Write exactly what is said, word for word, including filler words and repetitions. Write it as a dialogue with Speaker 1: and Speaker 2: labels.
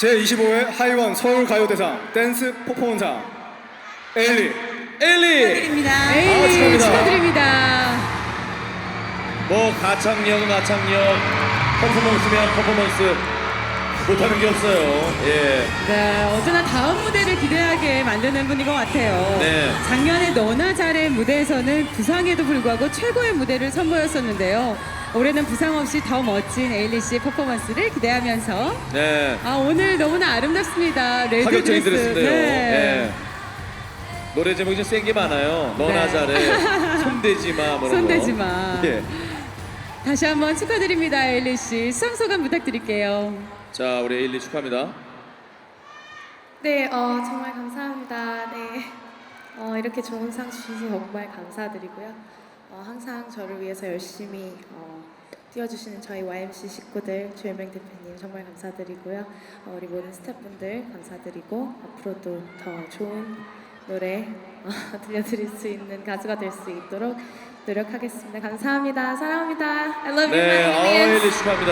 Speaker 1: 제이십오 회 하이원 서울가요대상 댄스 퍼포먼상 에일리.
Speaker 2: 에일리.
Speaker 3: 축하드립니다.
Speaker 2: 에일리
Speaker 1: 아, 축하합니다.
Speaker 2: 축하드립니다.
Speaker 4: 뭐 가창력은 가창력, 퍼포먼스면 퍼포먼스, 못하는 게 없어요. 예.
Speaker 2: 네, 언제나 다음 무대를 기대하게 만드는 분인 것 같아요.
Speaker 4: 네.
Speaker 2: 작년에 너나 잘해 무대에서는 부상에도 불구하고 최고의 무대를 선보였었는데요. 올해는 부상 없이 더 멋진 에일리 씨의 퍼포먼스를 기대하면서
Speaker 4: 네.
Speaker 2: 아 오늘 너무나 아름답습니다. 레드
Speaker 4: 파격적인
Speaker 2: 드레스.
Speaker 4: 드레스인데요.
Speaker 2: 네.
Speaker 4: 예. 노래 제목이 좀 센 게 많아요. 너나
Speaker 2: 네.
Speaker 4: 잘해, 손대지 마, 뭐 이런
Speaker 2: 손대지
Speaker 4: 거.
Speaker 2: 마.
Speaker 4: 예.
Speaker 2: 다시 한번 축하드립니다, 에일리 씨. 수상 소감 부탁드릴게요.
Speaker 4: 자, 우리 에일리 축하합니다.
Speaker 3: 네, 어, 정말 감사합니다. 네, 어, 이렇게 좋은 상 주셔서 정말 감사드리고요. 어, 항상 저를 위해서 열심히 어, 뛰어주시는 저희 와이엠씨 식구들, 조현명 대표님 정말 감사드리고요. 어, 우리 모든 스태프분들 감사드리고 앞으로도 더 좋은 노래 어, 들려드릴 수 있는 가수가 될 수 있도록 노력하겠습니다. 감사합니다. 사랑합니다. I love you,
Speaker 4: 네,
Speaker 3: my
Speaker 4: 어,
Speaker 3: aliens.
Speaker 4: 에일리 축하합니다.